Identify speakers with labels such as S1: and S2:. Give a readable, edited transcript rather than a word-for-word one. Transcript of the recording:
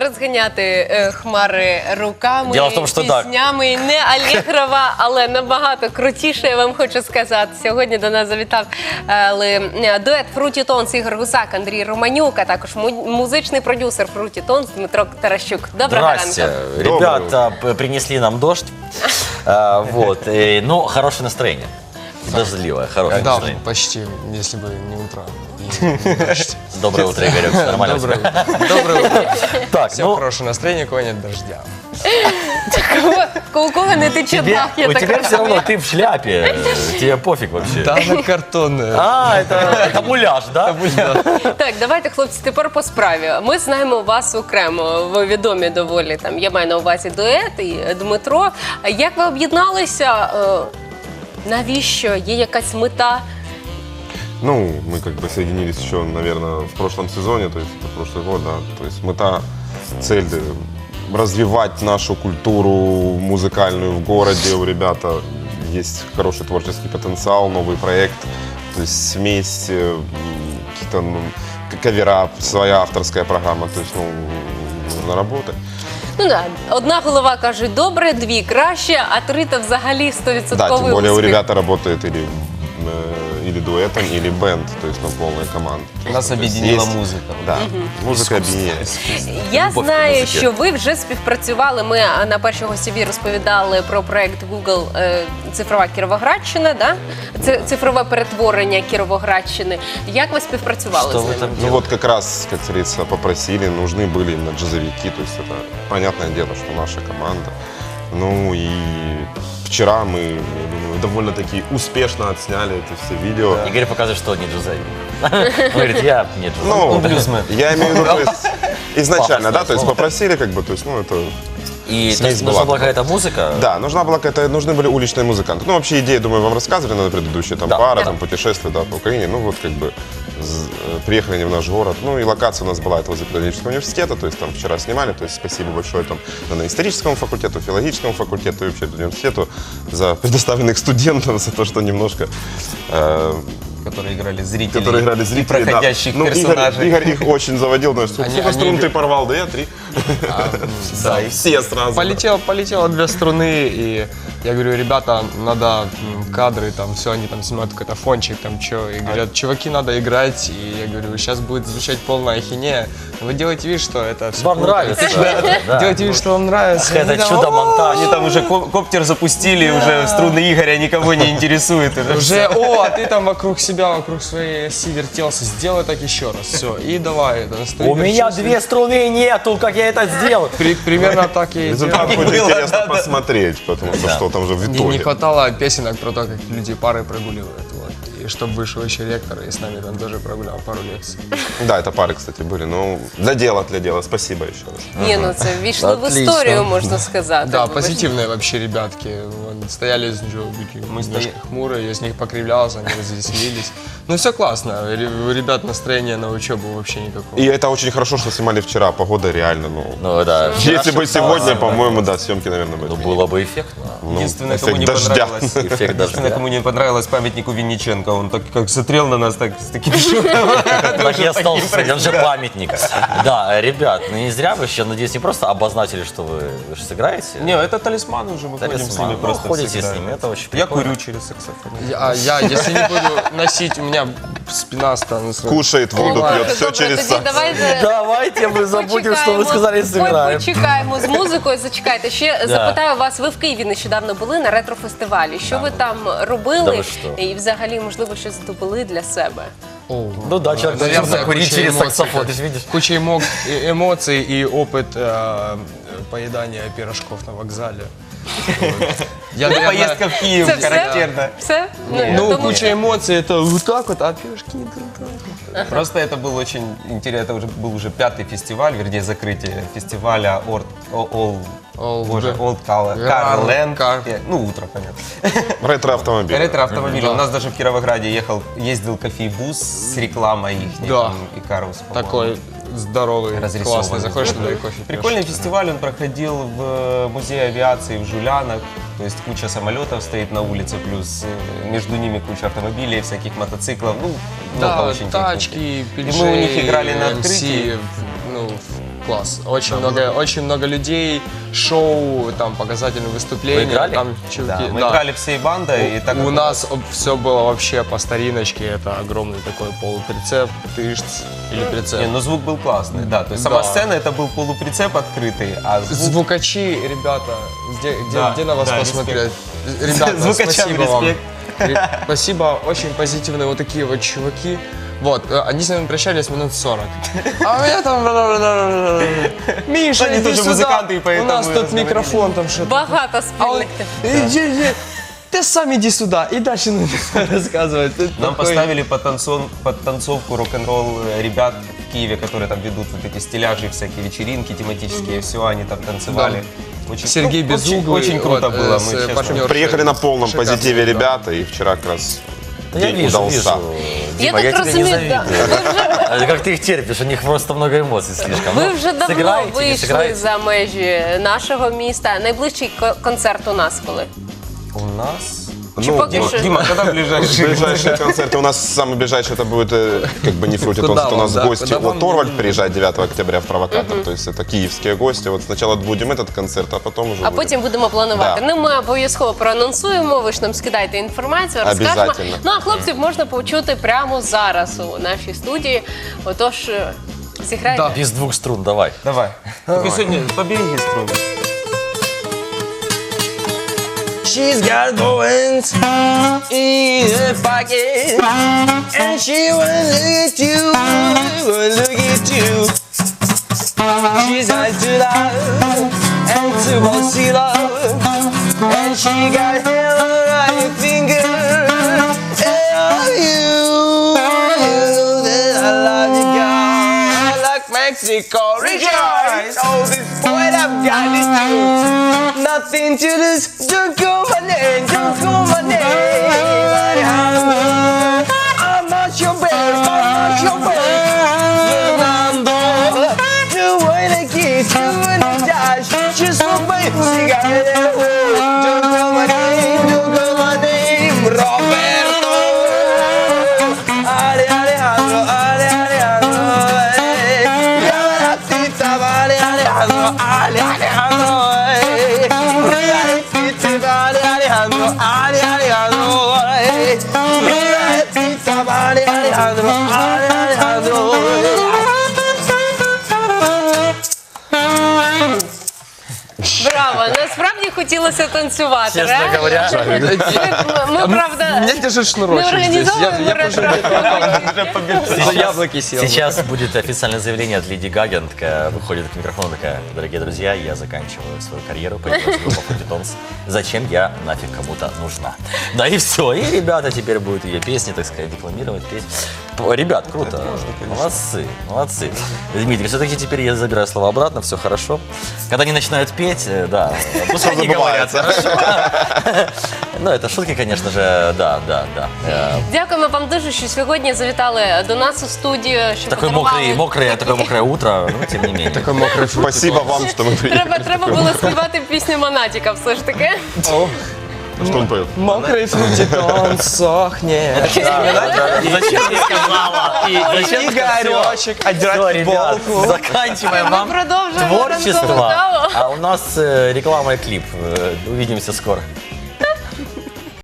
S1: розганяти хмари руками,
S2: Діло в тому, що так.
S1: піснями. Не Алігрова, але набагато крутіше, я вам хочу сказати. Сьогодні до нас завітав дует Fruity Tones Ігор Гусак, Андрій Романюк, а також музичний продюсер Fruity Tones Дмитро Таращук. Доброго
S2: Здрасте.
S1: ранку.
S2: Ребята принесли нам дождь. Вот. Ну, хорошее настроение. Дождливое, хорошее
S3: Да,
S2: настроение.
S3: почти, если бы не утро. и не дождь.
S2: Доброе утро, Игорек. Нормально у тебя?
S3: Доброе утро.
S2: Так,
S3: Все
S2: ну,
S3: хорошее настроение, кого нет дождя.
S1: У кого не тече дах, я
S2: у
S1: так
S2: тебя все равно,
S1: розумію.
S2: ты в шляпе. Тебе пофиг вообще.
S3: Да, она картонная.
S2: А, это муляж, да?
S1: Так, давайте, хлопці, тепер по справі. Ми знаємо вас окремо, ви відомі доволі, там, я маю на увазі дует і Дмитро. Як ви об'єдналися? Навіщо? Є якась мета?
S4: Ну, мы как бы соединились еще, наверное, в прошлом сезоне, то есть это прошлый год, да. То есть мета, цель развивать нашу культуру музыкальную в городе. У ребята есть хороший творческий потенциал, новый проект, то есть смесь, какие-то кавера, своя авторская программа, то есть, ну, нужно работать.
S1: Ну да, одна голова каже добре, дві краще, а три то взагалі 100%
S4: Да, тем более у
S1: успіх.
S4: ребят работает или дуэтом, или бенд, то есть, ну, полная команда.
S3: Нас
S4: То есть
S3: объединила
S4: есть-
S3: музыка.
S4: Да, музыка объединяет.
S1: Я
S2: Любов
S1: знаю,
S2: до музики.
S1: що ви вже співпрацювали. Ми на першій гостєві розповідали про проект Google «Цифрова Кіровоградщина», да? Цифрове перетворення Кіровоградщини. Як ви співпрацювали
S2: Что
S1: з
S2: вы
S1: ними?
S2: там
S4: Ну
S2: делаете?
S4: вот как раз, как говорится, попросили, нужны были именно джазовики, то есть это понятное дело, что наша команда. Ну и вчера мы, я думаю, довольно-таки успешно отсняли эти все видео.
S2: Игорь показывает, что не джазовик. Он говорит, я не джазовик.
S4: Ну,
S3: блюзмен.
S4: я имею в виду, то есть, изначально, да,
S2: Пафосное
S4: то есть
S2: слово.
S4: попросили, как бы, то есть, ну это...
S2: И то
S4: Смесь
S2: есть нужна
S4: была.
S2: была какая-то музыка?
S4: Да, нужны были уличные музыканты. Ну, вообще идеи, думаю, вам рассказывали на предыдущие, там,
S2: Да.
S4: пара, там, путешествия, да, по Украине. Ну, вот, как бы, приехали они в наш город. Ну, и локация у нас была, это возле педагогического университета, то есть, там, вчера снимали, то есть, спасибо большое, там, на историческому факультету, филологическому факультету и вообще университету за предоставленных студентов, за то, что немножко...
S3: Которые играли зрителей.
S4: Которые играли зрители,
S3: И проходящих
S4: да. Ну,
S3: персонажей.
S4: Игорь их очень заводил, потому что сколько струн ты порвал? Да я 3.
S3: Да,
S4: И все сразу.
S3: Полетело 2 струны, и я говорю, ребята, надо кадры, там, все, они там снимают какой-то фончик, там, что, и говорят, чуваки, надо играть, и я говорю, сейчас будет звучать полная ахинея, вы делаете вид, что это все
S2: Вам нравится. Да.
S3: Делайте вид, что вам нравится.
S2: Это
S3: Они там,
S2: чудо-монтаж.
S5: Они там уже коптер запустили, уже струны Игоря никого не интересует.
S3: Уже, а ты там вокруг себя, вокруг своей оси вертелся, сделай так еще раз, все, и давай.
S2: У меня 2 струны нету, как я это сделал?
S3: Примерно так и
S4: Результат
S3: делал.
S4: будет интересно посмотреть, потому что что там же в
S3: Не
S4: итоге.
S3: хватало песенок про то, как люди пары прогуливают. Вот. И чтобы вышел еще ректор, и с нами там тоже прогулял пару лекций.
S4: Да, это пары, кстати, были. Ну, для дела. Спасибо еще раз.
S1: Ні, ну це ввійшло в
S2: Отлично.
S1: історію, можна сказати.
S3: Да,
S1: Ви ж-
S3: позитивные вообще ребятки. Вон, стояли, мы немножко хмурые, я с них покривлялся, они развеселились. Ну все классно, у ребят настроение на учебу вообще никакого.
S4: И это очень хорошо, что снимали вчера. Погода реально, ну...
S2: Ну да.
S4: Если бы сегодня, по-моему, да, съемки, наверное, бы...
S2: Ну, было бы эффектно.
S4: Ну,
S5: Единственное,
S4: эффект
S5: кому не
S4: дождя.
S5: понравилось,
S2: Эффект
S5: единственное,
S2: дождя.
S5: кому не понравилось памятнику Винниченко, он так как смотрел на нас, так с таким шоком.
S2: Так я остался, он же памятник. Да, ребят, ну не зря вы еще, надеюсь, не просто обозначили, что вы же сыграете.
S5: Не, это талисманы уже, мы ходим с
S2: Талисман.
S5: ними
S2: Ну,
S5: просто
S2: ходите
S5: всегда.
S2: с ними, это очень
S5: Я
S2: прикольно.
S5: курю через саксофон.
S3: Я, если не буду носить, у меня спина станет...
S4: Кушает, воду пьет, все
S1: Добре,
S4: через
S1: тоді
S4: сакс.
S1: давайте
S2: Давайте мы забудем, что вы сказали, и сыграем.
S1: Почекаємо з музикою, зачекайте. Ще запитаю вас, ви в Києві нещодавно були на ретро-фестивалі. Що ви там
S2: Да
S1: робили?
S2: ви що?
S1: І взагалі, можливо, щось здобули для себе?
S2: Ну да, человек
S3: Наверное,
S2: научился курить
S3: куча
S2: через
S3: эмоций.
S2: саксофон, ты же видишь.
S3: Куча эмоций и опыт поедания пирожков на вокзале. Вот. Я, наверное,
S5: Поездка в Киев
S1: Це все?
S5: характерна.
S1: Все?
S3: Ну,
S1: тому-
S3: куча эмоций, это вот так вот, а пирожки
S5: Просто это был очень интересно, это был уже 5-й фестиваль, вернее закрытие фестиваля Old Car Land. Ну, утро, понятно.
S4: Ретро-автомобиль.
S5: Ретро-автомобиль. У нас даже в Кировограде ездил кофейбус с рекламой их,
S3: Да.
S5: там, Икарус, по-моему.
S3: такой здоровый,
S5: Разрисованный.
S3: классный, заходишь туда и кофе пьешь.
S5: Прикольный фестиваль, он проходил в музее авиации в Жулянах, то есть куча самолетов стоит на улице, плюс между ними куча автомобилей, всяких мотоциклов, ну, много
S3: Да,
S5: очень техники.
S3: тачки,
S5: И мы у них играли на открытии.
S3: ну, класс. Очень много людей, шоу, там показательные выступления.
S2: Вы играли?
S3: Там
S5: Да,
S3: чуваки,
S5: мы
S3: да.
S5: играли всей бандой, и так
S3: У
S5: как
S3: нас все было вообще по стариночке. Это огромный такой полуприцеп, тышц или прицеп.
S5: Не, ну звук был классный, да. То есть сама
S3: Да.
S5: сцена это был полуприцеп открытый, а звук...
S3: Звукачи, ребята,
S5: Да,
S3: где на вас
S5: да,
S3: посмотреть? Ребята,
S5: Звукачам
S3: спасибо вам.
S5: респект.
S3: Спасибо, очень позитивные вот такие вот чуваки. Вот, они с нами прощались минут 40. А у меня там... Миша,
S5: Они
S3: иди
S5: тоже
S3: сюда.
S5: музыканты, и поэтому
S3: У нас тут
S5: разговорились.
S3: микрофон, там что-то.
S1: Багато
S3: А он,
S1: спільних.
S3: иди, ты сам иди сюда. И дальше рассказывает.
S5: Нам поставили подтанцовку рок-н-ролл ребят в Киеве, которые там ведут вот эти стиляжи, всякие вечеринки тематические, все, они там танцевали. Очень,
S3: Сергей Безуглый,
S5: очень круто
S3: вот,
S5: было.
S3: с
S5: Мы, честно,
S3: партнершей.
S4: Приехали на полном
S3: Шикарно,
S4: позитиве
S3: да.
S4: ребята, и вчера как раз
S2: Да я
S4: день
S2: вижу,
S4: удался.
S2: Дима, я
S1: так
S2: тебя не
S1: розумію, да.
S2: завидую. Как ты их терпишь, у них просто много эмоций слишком.
S1: Ви
S2: Ну,
S1: вже давно
S2: сыграете, не
S1: вийшли
S2: сыграете?
S1: за межі нашого міста. Найближчий концерт у нас коли?
S5: У нас...
S1: Чи поки
S5: Дима,
S1: що?
S5: Дима, когда ближайший?
S4: Ближайшие концерты у нас самый ближайший, это будет как бы не фрутит,
S3: Куда
S4: у нас
S3: вам, да,
S4: гости.
S3: куда вам?
S4: Вот Торвальд приезжает 9 октября в Провокатор, то есть это киевские гости. Вот сначала будем этот концерт, а потом уже
S1: А
S4: будем.
S1: потім будемо планувати.
S4: Да.
S1: Ну, ми обов'язково проанонсуємо, ви ж нам скидайте інформацію, розкажемо.
S4: Обязательно.
S1: Ну, а хлопців можна почути прямо зараз у нашій студії. Отож, зіграйте.
S2: Без двух струн, давай.
S5: Давай. Только сегодня побереги струны.
S3: She's got bones in her pocket, and she won't look at you, won't look at you. She's hard to love and to bossy love, and she got hair on her finger. And you know that I love you, girl. I like Mexico, rejoice! Oh, this boy I've got is you. Nothing to lose, don't call my name, don't call my name. I'm not your bear, I'm not your bear. Remember, you wanna kiss, you wanna dash, just for my cigarette. Don't call my name, don't call my name, Roberto. Ale Alejandro, Ale Alejandro, y ahora tita, vale Alejandro, Ale Alejandro. Vale Alejandro, Ale Alejandro, vale Alejandro, Ale Alejandro.
S1: Браво! Насправді хотілося танцювати.
S2: Честно
S1: реально.
S2: говоря,
S1: Ми, правда,
S3: Меня держит шнурочек
S1: не
S3: здесь.
S1: організовуємо
S3: Я просто
S1: ретро.
S3: за яблоки сел.
S2: Сейчас будет официальное заявление от Леди Гаги. Она такая выходит к микрофону, такая: дорогие друзья, я заканчиваю свою карьеру, появилась группа Фрутитонс. Зачем я нафиг кому-то нужна? Да и все. И ребята теперь будут ее песни, так сказать, декламировать, петь. Ребят, круто. Молодцы, молодцы. Дмитрий, все-таки теперь я забираю слова обратно, все хорошо. Когда они начинают петь, да, пускай они говорят, хорошо. Ну, это шутки, конечно же, да.
S1: Дякуємо вам дуже, що сьогодні завітали до нас у студію. Що
S2: Такое мокрое утро, ну, тем не менее.
S3: Такой мокрый фрукт.
S4: Спасибо вам, что мы приехали.
S1: Треба було співати пісню Монатіка все ж таки.
S4: Что он поет?
S3: Мокрый фруктитон сохнет.
S2: Зачем ты сказала? И зачем
S3: Игоречек,
S2: Все,
S3: отдирать
S2: ребят,
S3: футболку.
S2: заканчиваем
S1: Ми
S2: вам
S1: продовжуємо
S2: творчество.
S1: ранкову каву.
S2: А у нас реклама и клип. Увидимся скоро.